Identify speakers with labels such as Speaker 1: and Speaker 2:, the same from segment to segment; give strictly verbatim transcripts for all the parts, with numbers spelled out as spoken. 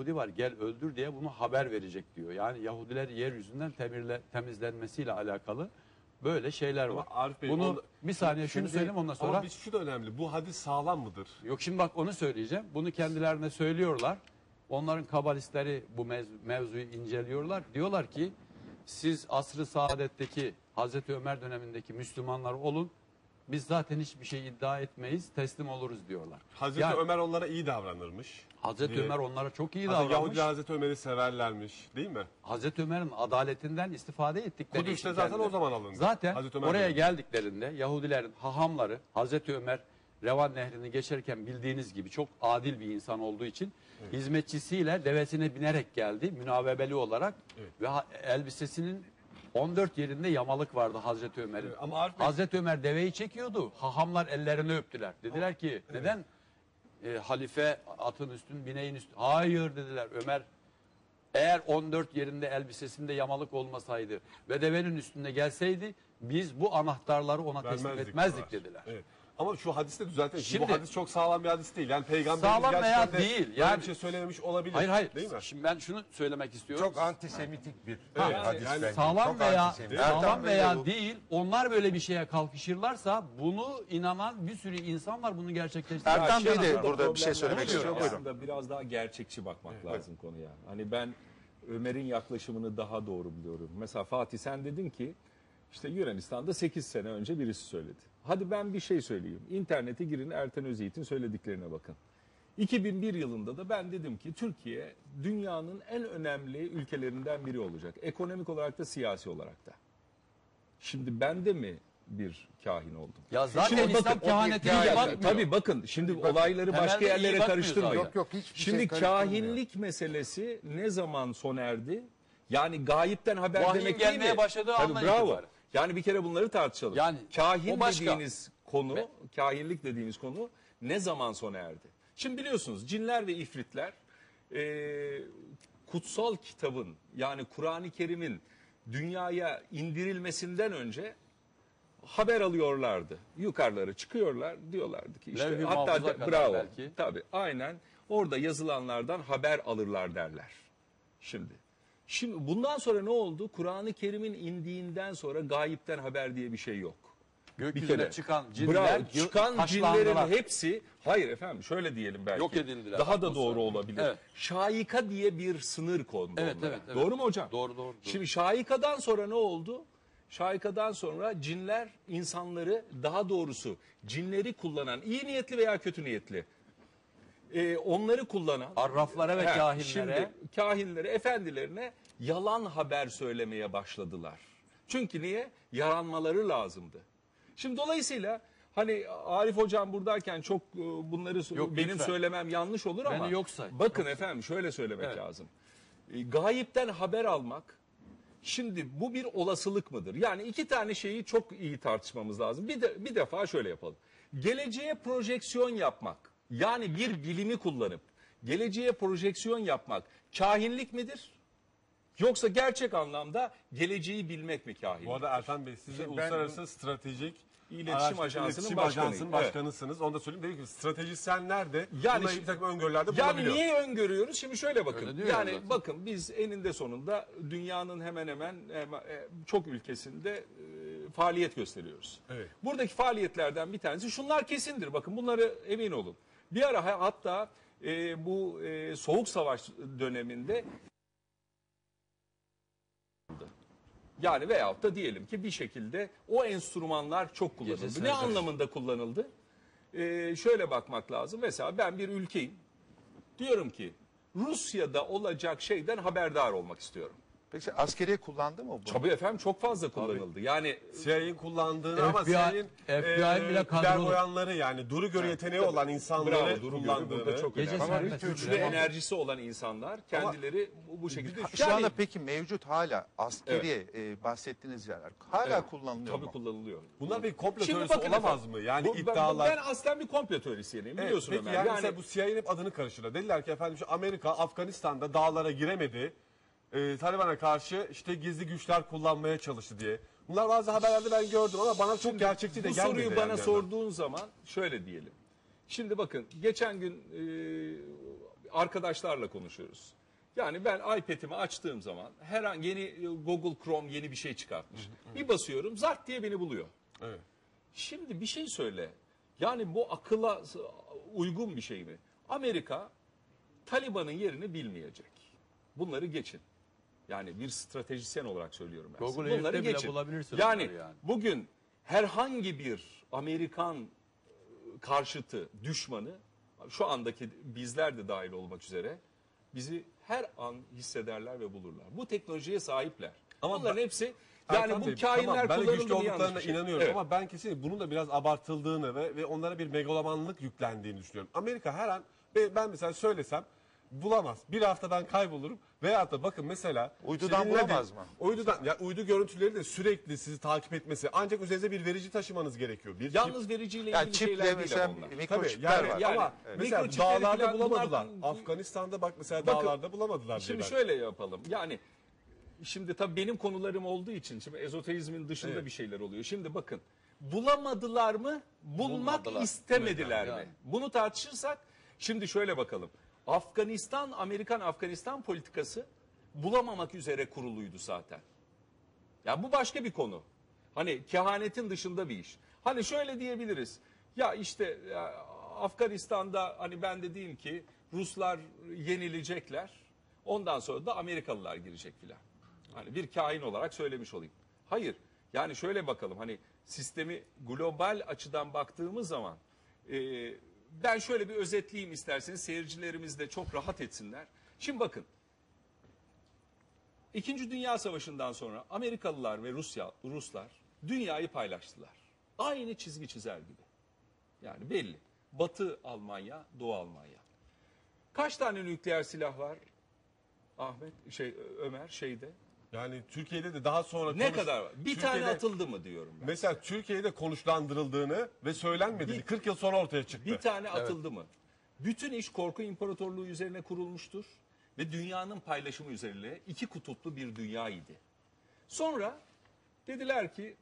Speaker 1: Yahudi var gel öldür diye bunu haber verecek diyor. Yani Yahudiler yeryüzünden temirle, temizlenmesiyle alakalı böyle şeyler var.
Speaker 2: Arif Bey,
Speaker 1: bunu
Speaker 2: onda,
Speaker 1: bir saniye
Speaker 2: şimdi,
Speaker 1: şunu söyleyeyim ondan sonra.
Speaker 2: Ama bir şu da önemli. Bu hadis sağlam mıdır?
Speaker 1: Yok şimdi bak onu söyleyeceğim. Bunu kendilerine söylüyorlar. Onların kabalistleri bu mev mevzuyu inceliyorlar. Diyorlar ki siz asr-ı saadetteki Hazreti Ömer dönemindeki Müslümanlar olun. Biz zaten hiçbir şey iddia etmeyiz, teslim oluruz diyorlar.
Speaker 2: Hazreti
Speaker 1: Yani,
Speaker 2: Ömer onlara iyi davranırmış.
Speaker 1: Hazreti
Speaker 2: diye.
Speaker 1: Ömer onlara çok iyi
Speaker 2: Hazreti
Speaker 1: davranmış.
Speaker 2: Yahudiler Hazreti Ömer'i severlermiş, değil mi?
Speaker 1: Hazreti Ömer'in adaletinden istifade ettikleri
Speaker 2: Kudüs'te
Speaker 1: için
Speaker 2: zaten
Speaker 1: kendileri-
Speaker 2: o zaman alındı.
Speaker 1: Zaten
Speaker 2: Hazreti Ömer
Speaker 1: oraya
Speaker 2: dönemi.
Speaker 1: geldiklerinde Yahudilerin hahamları Hazreti Ömer Revan Nehri'ni geçerken bildiğiniz gibi çok adil bir insan olduğu için evet. hizmetçisiyle devesine binerek geldi münavebeli olarak evet. ve elbisesinin on dört yerinde yamalık vardı Hazreti Ömer'in. Evet, ama Bey... Hazreti Ömer deveyi çekiyordu. Hahamlar ellerini öptüler. Dediler ki evet. neden e, halife atın üstün bineğin üstün? Hayır dediler Ömer. Eğer on dört yerinde elbisesinde yamalık olmasaydı ve devenin üstünde gelseydi biz bu anahtarları ona teslim
Speaker 2: Vermezdik
Speaker 1: etmezdik
Speaker 2: diyorlar.
Speaker 1: dediler.
Speaker 2: Evet. Ama şu hadiste düzeltelim.
Speaker 1: Şimdi,
Speaker 2: bu hadis çok sağlam bir hadis değil. Yani peygamberimiz
Speaker 1: sağlam veya
Speaker 2: gerçekten de
Speaker 1: değil.
Speaker 2: böyle
Speaker 1: Yani,
Speaker 2: bir şey söylememiş olabilir.
Speaker 1: Hayır hayır.
Speaker 2: Değil mi?
Speaker 1: Şimdi ben şunu söylemek istiyorum.
Speaker 3: Çok antisemitik bir
Speaker 2: Ha,
Speaker 3: e, hadis
Speaker 2: yani
Speaker 3: bence.
Speaker 1: Sağlam
Speaker 3: Çok
Speaker 1: veya
Speaker 3: antisemitik.
Speaker 1: sağlam veya
Speaker 3: bu-
Speaker 1: değil onlar böyle bir şeye kalkışırlarsa bunu inanan bir sürü insan var bunu gerçekleştiren.
Speaker 4: Ertan Bey de
Speaker 1: Yaşayan
Speaker 4: burada
Speaker 1: adam.
Speaker 4: bir şey söylemek
Speaker 1: Oluyor
Speaker 4: istiyor.
Speaker 1: ya.
Speaker 4: Buyurun.
Speaker 5: Aslında biraz daha gerçekçi bakmak evet. lazım konuya. Hani ben Ömer'in yaklaşımını daha doğru biliyorum. Mesela Fatih sen dedin ki işte Yunanistan'da sekiz sene önce birisi söyledi. Hadi ben bir şey söyleyeyim. İnternete girin Ertan Özyiğit'in söylediklerine bakın. iki bin bir yılında da ben dedim ki Türkiye dünyanın en önemli ülkelerinden biri olacak. Ekonomik olarak da siyasi olarak da. Şimdi ben de mi bir kahin oldum?
Speaker 1: Ya zaten
Speaker 5: Şimdi
Speaker 1: İslam
Speaker 5: bakın,
Speaker 1: kehaneti
Speaker 5: iyi
Speaker 1: iyi
Speaker 5: bak-
Speaker 1: bakmıyor.
Speaker 5: Tabii bakın şimdi olayları
Speaker 1: Temelde
Speaker 5: başka
Speaker 1: iyi
Speaker 5: yerlere
Speaker 1: bakmıyor
Speaker 5: karıştırmayın.
Speaker 1: zaten.
Speaker 3: Yok yok hiçbir
Speaker 5: Şimdi
Speaker 3: şey karıştırmıyor.
Speaker 5: kahinlik meselesi ne zaman sona erdi? Yani gayipten haber
Speaker 1: Vahyin
Speaker 5: demek değil
Speaker 1: gelmeye
Speaker 5: mi?
Speaker 1: başladığı
Speaker 5: Tabii,
Speaker 1: andan
Speaker 5: bravo.
Speaker 1: itibaren.
Speaker 5: Yani bir kere bunları tartışalım.
Speaker 1: Yani
Speaker 5: kahin
Speaker 1: o başka.
Speaker 5: dediğiniz konu,
Speaker 1: Ve-
Speaker 5: kahinlik dediğimiz konu ne zaman sona erdi? Şimdi biliyorsunuz cinler ve ifritler e, kutsal kitabın yani Kur'an-ı Kerim'in dünyaya indirilmesinden önce haber alıyorlardı. Yukarılara çıkıyorlar diyorlardı ki işte
Speaker 1: Levh-i
Speaker 5: hatta
Speaker 1: mahfuza
Speaker 5: de-
Speaker 1: kadar
Speaker 5: bravo.
Speaker 1: belki.
Speaker 5: Tabii aynen orada yazılanlardan haber alırlar derler. Şimdi Şimdi bundan sonra ne oldu? Kur'an-ı Kerim'in indiğinden sonra gayipten haber diye bir şey yok.
Speaker 1: Gökyüzüne çıkan cinler
Speaker 5: Bravo, çıkan
Speaker 1: taşlandılar.
Speaker 5: cinlerin hepsi hayır efendim şöyle diyelim belki.
Speaker 1: Yok edildiler.
Speaker 5: Daha da doğru olabilir.
Speaker 1: Evet.
Speaker 5: Şaika diye bir sınır kondu
Speaker 1: Evet,
Speaker 5: onlara.
Speaker 1: evet, evet.
Speaker 5: Doğru mu hocam?
Speaker 1: Doğru, doğru, doğru.
Speaker 5: Şimdi şaikadan sonra ne oldu? Şaikadan sonra cinler insanları daha doğrusu cinleri kullanan iyi niyetli veya kötü niyetli e, onları kullanan
Speaker 1: Arraflara ve
Speaker 5: He,
Speaker 1: kahinlere
Speaker 5: Şimdi kahinlere, efendilerine yalan haber söylemeye başladılar. Çünkü niye? Yaranmaları lazımdı. Şimdi dolayısıyla hani Arif hocam buradayken çok e, bunları
Speaker 1: Yok,
Speaker 5: benim
Speaker 1: lütfen.
Speaker 5: söylemem yanlış olur ama
Speaker 1: Beni yok say.
Speaker 5: bakın efendim şöyle söylemek
Speaker 1: Evet.
Speaker 5: lazım. E, gayipten haber almak şimdi bu bir olasılık mıdır? Yani iki tane şeyi çok iyi tartışmamız lazım. Bir de bir defa şöyle yapalım. Geleceğe projeksiyon yapmak yani bir bilimi kullanıp geleceğe projeksiyon yapmak kahinlik midir? Yoksa gerçek anlamda geleceği bilmek mi kahinlik?
Speaker 2: Bu arada Ertan Bey siz de
Speaker 3: Ben-
Speaker 2: Uluslararası Stratejik
Speaker 5: İletişim
Speaker 2: Araştırma
Speaker 5: Ajansı'nın
Speaker 2: İletişim
Speaker 5: başkanıyım.
Speaker 2: Ajansı'nın
Speaker 5: Evet.
Speaker 2: başkanısınız. Onu da söyleyeyim. Dedim ki stratejistler de
Speaker 5: Yani
Speaker 2: yani
Speaker 5: şimdi-
Speaker 2: bir takım öngörülerde
Speaker 5: Yani
Speaker 2: bulunabiliyor.
Speaker 5: niye öngörüyoruz? Şimdi şöyle bakın.
Speaker 1: Öyle diyor
Speaker 5: Yani
Speaker 1: zaten.
Speaker 5: bakın biz eninde sonunda dünyanın hemen hemen hemen, e, çok ülkesinde e, faaliyet gösteriyoruz.
Speaker 2: Evet.
Speaker 5: Buradaki faaliyetlerden bir tanesi şunlar kesindir. Bakın bunları emin olun. Bir ara ha- hatta e, bu e, Soğuk Savaş döneminde yani veyahut da diyelim ki bir şekilde o enstrümanlar çok kullanıldı.
Speaker 1: Gecesine
Speaker 5: Ne
Speaker 1: kadar.
Speaker 5: anlamında kullanıldı? Ee, şöyle bakmak lazım. Mesela ben bir ülkeyim. Diyorum ki Rusya'da olacak şeyden haberdar olmak istiyorum.
Speaker 4: Peki askeriye kullandı mı bu?
Speaker 5: Tabii efendim çok fazla kullanıldı. Yani
Speaker 2: C I A'nin kullandığını ama
Speaker 1: F B I
Speaker 2: C I A'nin
Speaker 1: F B I'nin bile kadrolu.
Speaker 2: clairvoyanları yani duru göre yeteneği olan insanları
Speaker 5: bravo, Duru
Speaker 2: kullandığını.
Speaker 5: Görü burada çok
Speaker 1: Gece
Speaker 5: önemli.
Speaker 1: serbest
Speaker 5: Güçlü
Speaker 1: bile-
Speaker 5: enerjisi olan insanlar kendileri bu, bu şekilde.
Speaker 4: Şu
Speaker 5: Yani-
Speaker 4: anda peki mevcut hala askeriye e, bahsettiğiniz yerler hala
Speaker 5: Evet,
Speaker 4: kullanılıyor
Speaker 5: tabii
Speaker 4: mu?
Speaker 5: kullanılıyor.
Speaker 2: Bunlar bir komplo
Speaker 5: Şimdi
Speaker 2: teorisi
Speaker 5: bakın
Speaker 2: olamaz
Speaker 5: efendim,
Speaker 2: mı? Yani
Speaker 5: bu- ben-
Speaker 2: iddialar.
Speaker 5: Ben, aslen bir komplo teorisyeniyim
Speaker 2: Evet,
Speaker 5: biliyorsun
Speaker 2: peki
Speaker 5: Ömer.
Speaker 2: yani,
Speaker 5: Yani,
Speaker 2: mesela bu C I A'nin hep adını karıştırıyor. Dediler ki efendim şu Amerika Afganistan'da dağlara giremedi. Ee, Taliban'a karşı işte gizli güçler kullanmaya çalıştı diye. Bunlar bazı haberlerde ben gördüm ama bana çok gerçekçi de
Speaker 5: bu
Speaker 2: gelmedi.
Speaker 5: soruyu
Speaker 2: yani
Speaker 5: bana
Speaker 2: bir yandan.
Speaker 5: sorduğun zaman şöyle diyelim. Şimdi bakın geçen gün e, arkadaşlarla konuşuyoruz. Yani ben iPad'imi açtığım zaman her an yeni Google Chrome yeni bir şey çıkartmış. Bir basıyorum zart diye beni buluyor.
Speaker 2: Evet.
Speaker 5: Şimdi bir şey söyle. Yani bu akıla uygun bir şey mi? Amerika Taliban'ın yerini bilmeyecek. Bunları geçin. Yani bir stratejisyen olarak söylüyorum ben size.
Speaker 1: Google
Speaker 5: Bunları
Speaker 1: Earth'te bile
Speaker 5: geçin.
Speaker 1: bulabilirsin
Speaker 5: Yani,
Speaker 1: onları yani.
Speaker 5: bugün herhangi bir Amerikan karşıtı düşmanı şu andaki bizler de dahil olmak üzere bizi her an hissederler ve bulurlar. Bu teknolojiye sahipler.
Speaker 2: Ama
Speaker 5: Bunların
Speaker 2: ben-
Speaker 5: hepsi yani
Speaker 2: Erkan
Speaker 5: bu
Speaker 2: Bey,
Speaker 5: kainler
Speaker 2: tamam, ben de
Speaker 5: kullanılır
Speaker 2: güçlü
Speaker 5: mı yanlış
Speaker 2: olduklarına
Speaker 5: bir şey.
Speaker 2: inanıyorum
Speaker 5: Evet.
Speaker 2: ama ben kesinlikle bunun da biraz abartıldığını ve, ve onlara bir megalomanlık yüklendiğini düşünüyorum. Amerika her an ben ben mesela söylesem bulamaz. Bir hafta ben kaybolurum veyahut da bakın mesela
Speaker 4: Uydudan
Speaker 2: işte dinledi-
Speaker 4: bulamaz mı?
Speaker 2: Uydudan ya uydu görüntüleri de sürekli sizi takip etmesi ancak üzerinize bir verici taşımanız gerekiyor. Bir
Speaker 5: Yalnız vericiyle ilgili
Speaker 4: Yani
Speaker 5: şeyler
Speaker 4: çiple
Speaker 5: değil
Speaker 4: mesela
Speaker 5: ama onlar.
Speaker 2: Tabii
Speaker 4: mikroçipler
Speaker 2: yani,
Speaker 4: var.
Speaker 5: Yani,
Speaker 2: ama
Speaker 5: evet.
Speaker 2: mesela
Speaker 5: Mikroçipleri
Speaker 2: dağlarda
Speaker 5: falan
Speaker 2: bulamadılar.
Speaker 5: bunlar-
Speaker 2: Afganistan'da bak mesela
Speaker 5: Bakın,
Speaker 2: dağlarda bulamadılar diye
Speaker 5: Şimdi
Speaker 2: ben.
Speaker 5: şöyle yapalım. Yani şimdi tabii benim konularım olduğu için şimdi ezoterizmin dışında
Speaker 2: Evet.
Speaker 5: bir şeyler oluyor. Şimdi bakın bulamadılar mı? Bulmak
Speaker 1: Bulmadılar.
Speaker 5: istemediler
Speaker 1: Evet,
Speaker 5: mi?
Speaker 1: yani.
Speaker 5: Bunu tartışırsak şimdi şöyle bakalım. Afganistan, Amerikan Afganistan politikası bulamamak üzere kuruluydu zaten. Ya bu başka bir konu. Hani kehanetin dışında bir iş. Hani şöyle diyebiliriz. Ya işte ya Afganistan'da hani ben de diyeyim ki Ruslar yenilecekler. Ondan sonra da Amerikalılar girecek filan. Hani bir kahin olarak söylemiş olayım. Hayır. Yani şöyle bakalım hani sistemi global açıdan baktığımız zaman e, ben şöyle bir özetleyeyim isterseniz seyircilerimiz de çok rahat etsinler. Şimdi bakın. İkinci Dünya Savaşı'ndan sonra Amerikalılar ve Rusya, Ruslar dünyayı paylaştılar. Aynı çizgi çizer gibi. Yani belli. Batı Almanya, Doğu Almanya. Kaç tane nükleer silah var? Ahmet, şey Ömer şeyde.
Speaker 2: Yani Türkiye'de de daha sonra
Speaker 5: Ne
Speaker 2: konuş-
Speaker 5: kadar var? Bir
Speaker 2: Türkiye'de-
Speaker 5: tane atıldı mı diyorum ben.
Speaker 2: Mesela Türkiye'de konuşlandırıldığını ve söylenmediğini
Speaker 5: Bir-
Speaker 2: kırk yıl sonra ortaya çıktı.
Speaker 5: Bir tane atıldı mı? Bütün iş korku imparatorluğu üzerine kurulmuştur ve dünyanın paylaşımı üzerine iki kutuplu bir dünya idi. Sonra dediler ki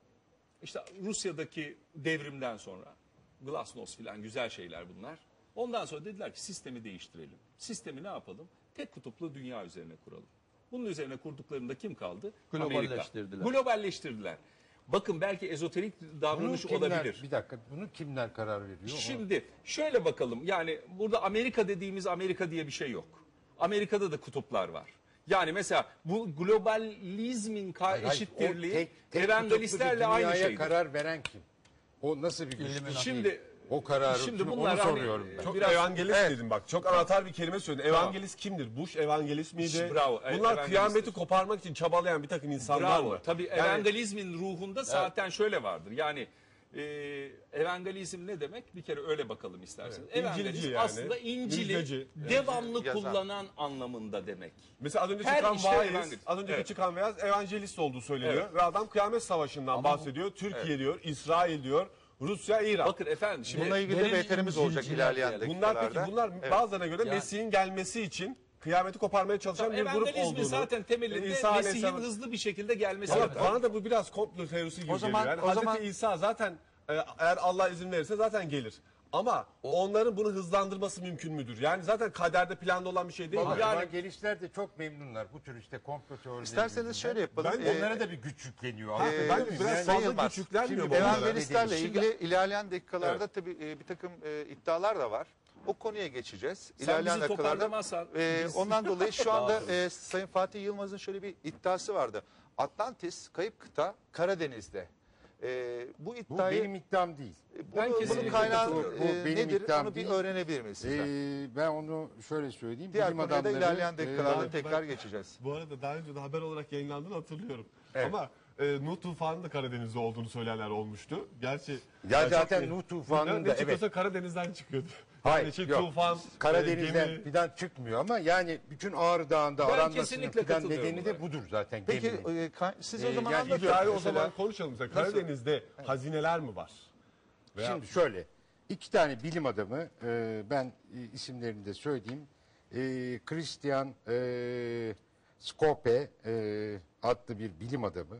Speaker 5: işte Rusya'daki devrimden sonra Glasnost filan güzel şeyler bunlar. Ondan sonra dediler ki sistemi değiştirelim. Sistemi ne yapalım? Tek kutuplu dünya üzerine kuralım. Bunun üzerine kurduklarında kim kaldı?
Speaker 1: Globalleştirdiler.
Speaker 5: Amerika. Globalleştirdiler. Bakın belki ezoterik davranış
Speaker 3: Bunu kimler,
Speaker 5: olabilir.
Speaker 3: bir dakika, bunu kimler karar veriyor? Ona-
Speaker 5: Şimdi şöyle bakalım yani burada Amerika dediğimiz Amerika diye bir şey yok. Amerika'da da kutuplar var. Yani mesela bu globalizmin ka-
Speaker 3: Hayır, hayır,
Speaker 5: eşittirliği
Speaker 3: o tek- tek
Speaker 5: evangelistlerle
Speaker 3: kutuplu
Speaker 5: aynı
Speaker 3: dünyaya
Speaker 5: şeydir.
Speaker 3: karar veren kim? O nasıl bir güç?
Speaker 1: İlluminati.
Speaker 5: Şimdi
Speaker 3: O kararı
Speaker 5: şimdi
Speaker 3: kim?
Speaker 5: bunlar
Speaker 3: Onu
Speaker 5: hani-
Speaker 3: soruyorum ben.
Speaker 2: Çok
Speaker 5: Biraz-
Speaker 2: evangelist
Speaker 5: Evet.
Speaker 2: dedim bak. Çok anahtar bir kelime söyledin. Evangelist kimdir? Bush evangelist miydi?
Speaker 5: Bravo, e-
Speaker 2: Bunlar
Speaker 5: evangelisttir.
Speaker 2: kıyameti koparmak için çabalayan bir takım insanlar
Speaker 5: Bravo.
Speaker 2: mı?
Speaker 5: Tabii
Speaker 2: Yani
Speaker 5: evangelizmin ruhunda zaten şöyle vardır. Yani e, evangelizm ne demek? Bir kere öyle bakalım isterseniz.
Speaker 2: Evet,
Speaker 5: Evangelizm
Speaker 2: İncilci yani,
Speaker 5: aslında İncil'i
Speaker 2: müjdeci.
Speaker 5: devamlı
Speaker 4: Yazan.
Speaker 5: kullanan anlamında demek.
Speaker 2: mesela az önce
Speaker 5: Her
Speaker 2: çıkan
Speaker 5: işte
Speaker 2: vaiz,
Speaker 5: evangelist.
Speaker 2: az önceki
Speaker 5: Evet.
Speaker 2: çıkan vaiz evangelist olduğu söyleniyor.
Speaker 5: Evet.
Speaker 2: Ve adam kıyamet savaşından bahsediyor. Türkiye diyor, İsrail diyor, Rusya, İran.
Speaker 5: Bakın efendim şimdi
Speaker 4: Bununla ilgili de
Speaker 1: Derin
Speaker 4: beterimiz olacak
Speaker 1: İncilciler
Speaker 4: ilerleyen
Speaker 1: diyelim.
Speaker 2: bunlar
Speaker 4: dakikalarda.
Speaker 2: peki bunlar
Speaker 4: Evet.
Speaker 2: bazılarına göre
Speaker 1: Yani-
Speaker 2: Mesih'in gelmesi için kıyameti koparmaya çalışan bir grup
Speaker 5: evangelizmin
Speaker 2: olduğunu.
Speaker 5: zaten temelinde
Speaker 2: İsa
Speaker 5: Mesih'in
Speaker 2: Aleyhisselam-
Speaker 5: hızlı bir şekilde gelmesi.
Speaker 2: Ama
Speaker 5: zaten.
Speaker 2: bana da bu biraz komplo teorisi gibi
Speaker 4: O zaman-
Speaker 2: geliyor. Yani
Speaker 4: o
Speaker 2: Hazreti
Speaker 4: zaman-
Speaker 2: İsa zaten e, eğer Allah izin verirse zaten gelir. Ama onların bunu hızlandırması mümkün müdür? Yani zaten kaderde planda olan bir şey değil
Speaker 3: Ama
Speaker 2: mi?
Speaker 5: Yani-
Speaker 3: evangelistler de çok memnunlar bu tür işte komplo teorileri.
Speaker 4: İsterseniz
Speaker 3: yüzünden.
Speaker 4: şöyle yapalım.
Speaker 2: Ben-
Speaker 4: Ee,
Speaker 3: Onlara da bir güç yükleniyor.
Speaker 2: Ha,
Speaker 3: Anlatabiliyor
Speaker 2: ben
Speaker 3: muyum?
Speaker 2: biraz
Speaker 3: Yani-
Speaker 2: fazla
Speaker 4: sayılmaz.
Speaker 2: küçüklenmiyor
Speaker 3: Şimdi
Speaker 2: bu onlara.
Speaker 4: Evangelistlerle
Speaker 3: dediğimiz-
Speaker 4: ilgili ilerleyen dakikalarda
Speaker 2: Evet.
Speaker 4: tabii e, bir takım e, iddialar da var. O konuya geçeceğiz.
Speaker 5: Sen
Speaker 4: İlerleyen
Speaker 5: bizi
Speaker 4: dakikalarda.
Speaker 5: toparlamazsan
Speaker 4: e,
Speaker 5: biz-
Speaker 4: ondan dolayı şu anda e, Sayın Fatih Yılmaz'ın şöyle bir iddiası vardı. Atlantis, kayıp kıta Karadeniz'de. E, bu
Speaker 3: Bu
Speaker 4: iddiayı
Speaker 3: benim iddiam değil.
Speaker 4: bunu,
Speaker 5: Ben
Speaker 4: bunun
Speaker 5: kesinlikle
Speaker 4: kaynağı
Speaker 5: katılıyorum.
Speaker 3: Bu
Speaker 4: e,
Speaker 3: benim
Speaker 4: nedir?
Speaker 3: iddiam
Speaker 4: Onu bir
Speaker 3: değil.
Speaker 4: öğrenebilir miyiz sizden?
Speaker 3: Ee, ben onu şöyle söyleyeyim.
Speaker 4: Diğer
Speaker 3: Bilim
Speaker 4: konuya da
Speaker 3: adamları,
Speaker 4: ilerleyen
Speaker 3: e,
Speaker 4: dakikalarda
Speaker 2: ben-
Speaker 4: tekrar
Speaker 2: ben-
Speaker 4: geçeceğiz.
Speaker 2: Bu arada daha önce de haber olarak yayınlandığını hatırlıyorum.
Speaker 3: Evet.
Speaker 2: Ama e, Nuh tufanı da Karadeniz'de olduğunu söyleyenler olmuştu. Gerçi
Speaker 3: Ya
Speaker 2: çok
Speaker 3: zaten
Speaker 2: iyi.
Speaker 3: Nuh tufanının
Speaker 2: ne
Speaker 3: da,
Speaker 2: çıkıyorsa Karadeniz'den çıkıyordu.
Speaker 3: Hayır,
Speaker 2: Yani şey,
Speaker 3: yok.
Speaker 2: tufan,
Speaker 3: Karadeniz'den
Speaker 2: e, gemi.
Speaker 3: fidan çıkmıyor ama yani bütün Ağrı Dağı'nda
Speaker 5: Ben
Speaker 3: aranmasının
Speaker 5: kesinlikle
Speaker 3: fidan
Speaker 5: katılıyorum
Speaker 3: nedeni de
Speaker 5: buna.
Speaker 3: budur zaten.
Speaker 4: Peki
Speaker 3: geminin.
Speaker 4: e, ka- siz
Speaker 3: E,
Speaker 4: o zaman
Speaker 3: yani
Speaker 4: anlatın.
Speaker 2: İddiayı o
Speaker 4: Mesela-
Speaker 2: zaman konuşalım. Mesela Karadeniz'de hazineler mi var? Veya-
Speaker 3: Şimdi şöyle, iki tane bilim adamı, e, ben e, isimlerini de söyleyeyim. E, Christian e, Scope e, adlı bir bilim adamı.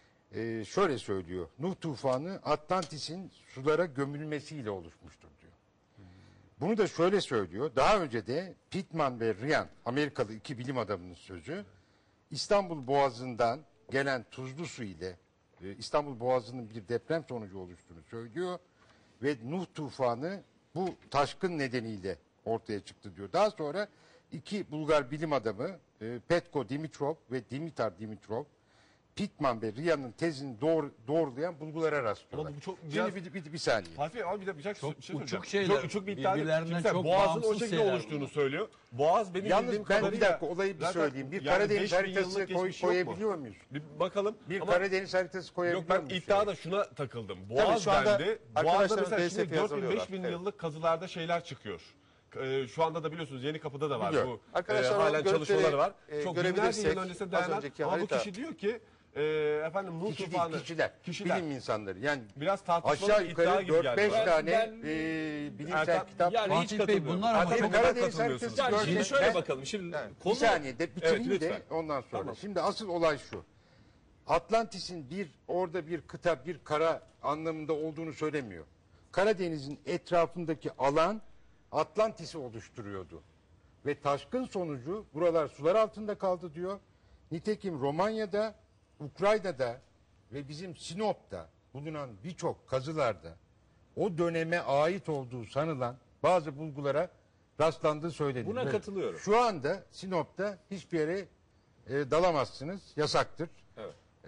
Speaker 3: E, şöyle söylüyor, Nuh tufanı Atlantis'in sulara gömülmesiyle oluşmuştur diyor. Bunu da şöyle söylüyor. Daha önce de Pittman ve Ryan, Amerikalı iki bilim adamının sözü, İstanbul Boğazı'ndan gelen tuzlu su ile e, İstanbul Boğazı'nın bir deprem sonucu oluştuğunu söylüyor ve Nuh tufanı bu taşkın nedeniyle ortaya çıktı diyor. Daha sonra iki Bulgar bilim adamı e, Petko Dimitrov ve Dimitar Dimitrov, Pittman ve Ryan'ın tezini doğru, doğrulayan bulgulara rastlıyorlar.
Speaker 2: Ama bu çok
Speaker 3: Şimdi
Speaker 2: biraz-
Speaker 3: bir, bir, bir saniye.
Speaker 2: Fatih Bey ama bir de bir şey,
Speaker 1: Çok
Speaker 2: bir şey
Speaker 1: uçuk
Speaker 2: söyleyeceğim.
Speaker 1: şeyler,
Speaker 2: Çok uçuk bir iddia değil.
Speaker 1: birbirlerinden
Speaker 2: Şimdi sen
Speaker 1: çok
Speaker 2: Boğaz'ın o
Speaker 1: bağımsız
Speaker 2: şekilde
Speaker 1: şeyler
Speaker 2: oluştuğunu
Speaker 1: bunlar.
Speaker 2: söylüyor. Boğaz benim
Speaker 3: Yalnız
Speaker 2: bildiğim
Speaker 3: ben bir
Speaker 2: kadarıyla...
Speaker 3: dakika olayı bir
Speaker 2: zaten
Speaker 3: söyleyeyim. Bir
Speaker 2: yani
Speaker 3: Karadeniz
Speaker 2: beş bin
Speaker 3: haritası
Speaker 2: yıllık
Speaker 3: koy,
Speaker 2: geçmiş yok mu?
Speaker 3: koyabiliyor muyuz?
Speaker 2: Bir bakalım.
Speaker 3: Bir
Speaker 2: Ama
Speaker 3: Karadeniz haritası
Speaker 2: yok
Speaker 3: koyabiliyor
Speaker 2: ben
Speaker 3: muyuz?
Speaker 2: iddiada şuna takıldım. Boğaz
Speaker 4: şu anda
Speaker 2: dendi.
Speaker 4: arkadaşlarımız
Speaker 2: Boğaz'da mesela şimdi
Speaker 4: felsefeye
Speaker 2: dört bin beş bin
Speaker 4: hazırlıyorlar.
Speaker 2: yıllık kazılarda şeyler çıkıyor. Ee, şu anda da biliyorsunuz Yeni Kapı'da da var.
Speaker 3: Biliyorum.
Speaker 2: Bu,
Speaker 4: Arkadaşlar,
Speaker 2: e,
Speaker 4: o
Speaker 2: halen
Speaker 4: görüntüleri,
Speaker 2: çalışmaları var.
Speaker 4: e,
Speaker 2: Çok binlerce
Speaker 4: görebilirsek,
Speaker 2: yıl öncesine
Speaker 4: az
Speaker 2: dayanan
Speaker 4: önceki
Speaker 2: ama bu
Speaker 4: harita-
Speaker 2: kişi diyor ki e, efendim Nuh
Speaker 3: Kişi
Speaker 2: tufanı.
Speaker 3: değil, kişiler,
Speaker 2: Kişiler.
Speaker 3: bilim insanları. Yani
Speaker 2: Biraz tartışmalı
Speaker 3: aşağı
Speaker 2: bir iddia
Speaker 3: yukarı
Speaker 2: gibi
Speaker 3: dört
Speaker 2: geldi
Speaker 3: beş
Speaker 2: bana.
Speaker 3: tane
Speaker 5: Ben-
Speaker 3: e, bilimsel
Speaker 2: Erkan-
Speaker 3: kitap.
Speaker 5: yani hiç
Speaker 1: Fatih Bey
Speaker 5: katılmıyorum.
Speaker 1: bunlar ama
Speaker 2: Erkan
Speaker 1: çok
Speaker 2: Bey,
Speaker 3: Karadeniz
Speaker 2: katılmıyorsunuz.
Speaker 3: haritası
Speaker 5: Yani
Speaker 3: görsel-
Speaker 5: şimdi şöyle
Speaker 3: Ben-
Speaker 5: bakalım. Şimdi
Speaker 4: Evet.
Speaker 5: konu
Speaker 3: Bir saniye de bitireyim
Speaker 5: Evet,
Speaker 3: de
Speaker 5: lütfen.
Speaker 3: ondan sonra.
Speaker 2: Tamam.
Speaker 3: Şimdi asıl olay şu. Atlantis'in bir orada bir kıta, bir kara anlamında olduğunu söylemiyor. Karadeniz'in etrafındaki alan Atlantis'i oluşturuyordu. Ve taşkın sonucu buralar sular altında kaldı diyor. Nitekim Romanya'da, Ukrayna'da ve bizim Sinop'ta bulunan birçok kazılarda o döneme ait olduğu sanılan bazı bulgulara rastlandığı söyleniyor.
Speaker 5: Buna
Speaker 3: Evet.
Speaker 5: katılıyorum.
Speaker 3: Şu anda Sinop'ta hiçbir yere e, dalamazsınız. Yasaktır.
Speaker 5: Evet.
Speaker 3: E,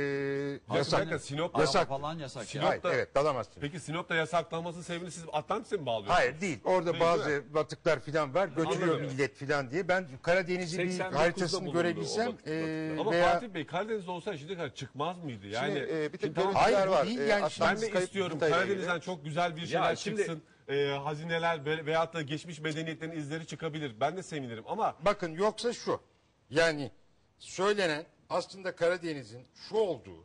Speaker 2: Ya
Speaker 3: yasak.
Speaker 2: bir dakika, Sinop-
Speaker 3: yasak.
Speaker 1: Araba falan yasak ya.
Speaker 3: Hayır,
Speaker 2: Sinop'ta-
Speaker 3: evet dalamazsınız.
Speaker 2: Peki Sinop'ta yasaklanmasının sebebini siz Atlantis'e mi bağlıyorsunuz?
Speaker 3: Hayır değil. Orada
Speaker 2: Değil,
Speaker 3: bazı
Speaker 2: değil
Speaker 3: batıklar falan var. Götürüyor
Speaker 2: Anladım.
Speaker 3: millet falan diye. Ben Karadeniz'i bir
Speaker 5: seksen dokuzda
Speaker 3: haritasını
Speaker 5: bulundu
Speaker 3: görebilsem
Speaker 5: o vakit-
Speaker 3: e,
Speaker 2: Ama
Speaker 3: veya
Speaker 2: Fatih Bey Karadeniz'de olsa şimdiye kadar çıkmaz mıydı? Yani
Speaker 4: Şimdi, e, bir tek
Speaker 2: şimdi tamam,
Speaker 4: görüntüler
Speaker 3: Hayır, bu
Speaker 4: var.
Speaker 3: değil
Speaker 4: E,
Speaker 3: yani.
Speaker 2: ben
Speaker 4: Atlantis
Speaker 2: de
Speaker 4: kayıp
Speaker 2: istiyorum
Speaker 4: kıtayla ilgili.
Speaker 2: Karadeniz'den çok güzel bir şeyler
Speaker 5: şimdi-
Speaker 2: çıksın. E, hazineler ve- veyahut da geçmiş medeniyetlerin izleri çıkabilir. Ben de sevinirim ama
Speaker 3: bakın yoksa şu. Yani söylenen aslında Karadeniz'in şu olduğu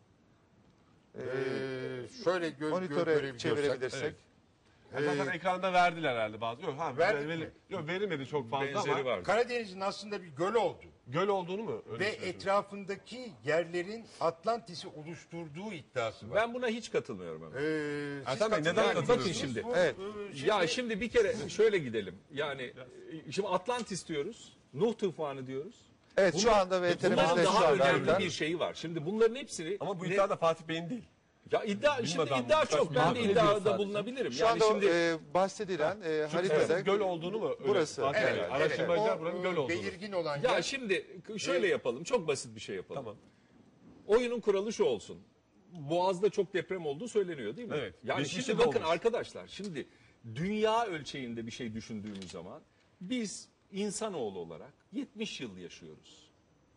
Speaker 3: e, şöyle gö gö
Speaker 4: Monitöre
Speaker 3: görebiliyorsak.
Speaker 4: çevirebilirsek.
Speaker 2: e, zaten ekranda verdiler herhalde bazı. Yok, ha,
Speaker 3: Verdik
Speaker 2: ver-
Speaker 3: mi?
Speaker 2: yok verilmedi çok fazla
Speaker 5: Benzeri
Speaker 2: ama
Speaker 5: var.
Speaker 3: Karadeniz'in aslında bir göl olduğu
Speaker 2: göl olduğunu mu? Öyle
Speaker 3: ve
Speaker 2: söylüyorsun?
Speaker 3: etrafındaki yerlerin Atlantis'i oluşturduğu iddiası var.
Speaker 5: Ben buna hiç katılmıyorum. Ama.
Speaker 3: Ee, siz
Speaker 2: Ertan Bey, neden
Speaker 3: katılıyor
Speaker 5: bakın
Speaker 3: musunuz?
Speaker 5: şimdi.
Speaker 3: Bu,
Speaker 4: Evet.
Speaker 3: e, şey-
Speaker 5: Ya şimdi bir kere şöyle gidelim. Yani e, şimdi Atlantis diyoruz. Nuh tufanı diyoruz.
Speaker 4: Evet şu anda
Speaker 5: Bunların
Speaker 4: VTR'mizde şu
Speaker 5: daha
Speaker 4: anda
Speaker 5: önemli
Speaker 4: harita.
Speaker 5: bir şeyi var. Şimdi bunların hepsini
Speaker 2: Ama bu
Speaker 5: ne-
Speaker 2: iddia da Fatih Bey'in değil.
Speaker 5: ya iddia şimdi
Speaker 2: adamı,
Speaker 5: iddia
Speaker 2: birkaç
Speaker 5: çok. Ben de
Speaker 1: nakle ediyor
Speaker 5: iddiada
Speaker 1: sadece.
Speaker 5: bulunabilirim.
Speaker 4: Şu
Speaker 5: Yani
Speaker 4: anda
Speaker 5: şimdi
Speaker 4: e, bahsedilen e,
Speaker 2: Çünkü
Speaker 4: haritada
Speaker 2: burası göl olduğunu mu? Öyle
Speaker 4: Burası.
Speaker 2: Fatih Bey,
Speaker 3: Evet,
Speaker 2: araştırmacılar
Speaker 3: evet.
Speaker 2: buranın
Speaker 3: O,
Speaker 2: göl olduğunu.
Speaker 3: belirgin olan
Speaker 5: ya
Speaker 3: yer.
Speaker 5: şimdi şöyle yapalım. Çok basit bir şey yapalım.
Speaker 2: Tamam.
Speaker 5: Oyunun kuralı şu olsun. Boğaz'da çok deprem olduğu söyleniyor değil mi?
Speaker 2: Evet.
Speaker 5: Yani
Speaker 2: Geçmişte
Speaker 5: şimdi
Speaker 2: de
Speaker 5: bakın
Speaker 2: olmuş.
Speaker 5: arkadaşlar şimdi dünya ölçeğinde bir şey düşündüğümüz zaman biz insanoğlu olarak yetmiş yıl yaşıyoruz.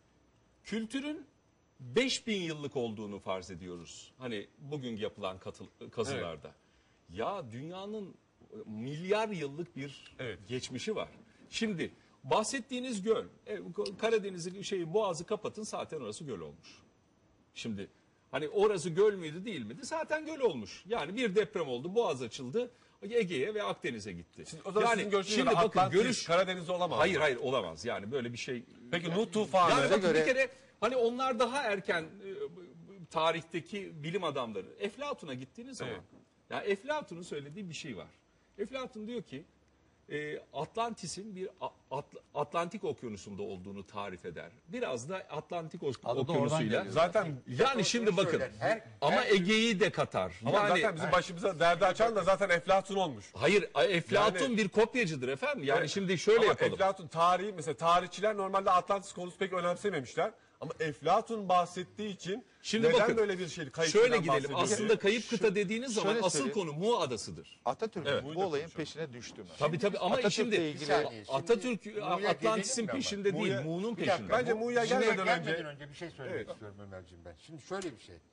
Speaker 5: Kültürün beş bin yıllık olduğunu farz ediyoruz. Hani bugün yapılan katıl, kazılarda. Ya dünyanın milyar yıllık bir
Speaker 2: Evet.
Speaker 5: geçmişi var. Şimdi bahsettiğiniz göl, e, Karadeniz'i şeyi Boğaz'ı kapatın zaten orası göl olmuş. Şimdi hani orası göl müydü değil miydi? Zaten göl olmuş. Yani bir deprem oldu, Boğaz açıldı, Ege'ye ve Akdeniz'e gitti.
Speaker 2: O zaman
Speaker 5: yani
Speaker 2: sizin görüşünüz
Speaker 5: şimdi
Speaker 2: göre
Speaker 5: bakın
Speaker 2: Atlantis,
Speaker 5: görüş
Speaker 2: Karadeniz'de olamaz.
Speaker 5: Hayır
Speaker 2: mı?
Speaker 5: hayır olamaz. Yani böyle bir şey.
Speaker 2: Peki Nuh tufanı.
Speaker 5: Yani bakın
Speaker 4: göre-
Speaker 5: bir kere hani onlar daha erken e, tarihteki bilim adamları Eflatun'a gittiğiniz zaman
Speaker 2: Evet.
Speaker 5: ya Eflatun'un söylediği bir şey var. Eflatun diyor ki e, Atlantis'in bir A- Atl- Atlantik Okyanusu'nda olduğunu tarif eder. Biraz da Atlantik Ok-
Speaker 1: Adı da oradan
Speaker 5: Okyanusu'yla.
Speaker 1: geliyor.
Speaker 2: Zaten
Speaker 5: Yani şimdi bakın
Speaker 3: söyler. Her-
Speaker 5: ama
Speaker 3: her-
Speaker 5: Ege'yi de katar.
Speaker 2: ama
Speaker 5: yani
Speaker 2: zaten bizim başımıza derdi açan da zaten Eflatun olmuş.
Speaker 5: hayır Eflatun
Speaker 2: Yani-
Speaker 5: bir kopyacıdır efendim. Yani
Speaker 2: Evet.
Speaker 5: şimdi şöyle
Speaker 2: Ama
Speaker 5: yapalım.
Speaker 2: Eflatun tarihi mesela tarihçiler normalde Atlantis konusu pek önemsememişler. Ama Eflatun bahsettiği için
Speaker 5: Şimdi
Speaker 2: neden
Speaker 5: bakın,
Speaker 2: böyle bir şey kayıp
Speaker 5: Şöyle
Speaker 2: kıtadan
Speaker 5: gidelim.
Speaker 2: bahsedildi?
Speaker 5: Aslında kayıp
Speaker 4: Şu-
Speaker 5: kıta dediğiniz zaman
Speaker 4: şöyle
Speaker 5: asıl
Speaker 4: söyleyeyim.
Speaker 5: konu Mu adasıdır.
Speaker 4: Atatürk
Speaker 5: Evet.
Speaker 4: bu olayın peşine düştü mü?
Speaker 5: Tabii tabii ama
Speaker 4: Atatürk'le
Speaker 5: şimdi
Speaker 4: ilgili-
Speaker 3: saniye, şimdi
Speaker 5: Atatürk
Speaker 3: Mu'ya
Speaker 5: Atlantis'in
Speaker 3: gelelim mi ama?
Speaker 5: peşinde değil,
Speaker 2: Mu'ya-
Speaker 5: Mu'nun
Speaker 3: Bir dakika,
Speaker 5: peşinde.
Speaker 2: Bence
Speaker 3: bu-
Speaker 2: Mu'ya
Speaker 3: Mu'ya
Speaker 2: gelmeden
Speaker 3: gelmeden
Speaker 2: önce-
Speaker 3: bir şey söylemek
Speaker 2: Evet.
Speaker 3: istiyorum Ömerciğim ben. Şimdi şöyle bir şey.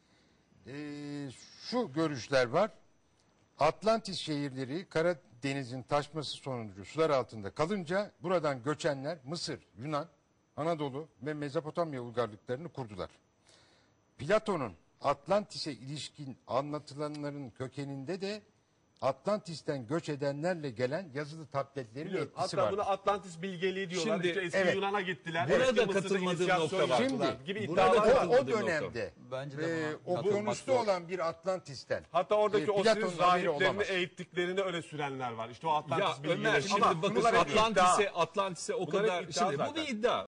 Speaker 3: Ee, şu görüşler var. Atlantis şehirleri Karadeniz'in taşması sonucu sular altında kalınca buradan göçenler Mısır, Yunan, Anadolu ve Mezopotamya uygarlıklarını kurdular. Platon'un Atlantis'e ilişkin anlatılanların kökeninde de Atlantis'ten göç edenlerle gelen yazılı tabletlerin
Speaker 2: Biliyorum.
Speaker 3: etkisi
Speaker 2: Hatta
Speaker 3: var.
Speaker 2: buna Atlantis bilgeliği diyorlar.
Speaker 5: Şimdi-
Speaker 2: işte eski
Speaker 3: evet.
Speaker 2: Yunan'a gittiler.
Speaker 5: Burada
Speaker 2: eski Mısır'da
Speaker 5: katılmadığım
Speaker 2: inisiyasyon
Speaker 5: nokta var.
Speaker 2: yaptılar
Speaker 3: Şimdi,
Speaker 2: gibi
Speaker 5: burada
Speaker 2: iddialar var.
Speaker 3: O, o
Speaker 5: katılmadığım
Speaker 3: dönemde
Speaker 1: Bence de
Speaker 3: e,
Speaker 1: buna katılmak
Speaker 3: okyanusta
Speaker 1: zor.
Speaker 3: olan bir Atlantis'ten
Speaker 2: Hatta oradaki
Speaker 3: e,
Speaker 2: Osiris
Speaker 3: Platon'un haberi
Speaker 2: rahiplerini
Speaker 3: olamaz.
Speaker 2: eğittiklerini öyle sürenler var. İşte o
Speaker 5: Ya
Speaker 2: Atlantis
Speaker 5: Ömer
Speaker 2: bilgileri.
Speaker 5: şimdi
Speaker 2: Ama
Speaker 5: bakın
Speaker 2: bunlar hep
Speaker 5: Atlantis'e
Speaker 2: iddia.
Speaker 5: Atlantis'e o
Speaker 2: Bunlar hep
Speaker 5: kadar
Speaker 2: iddia
Speaker 5: şimdi bu
Speaker 2: zaten.
Speaker 5: bir iddia.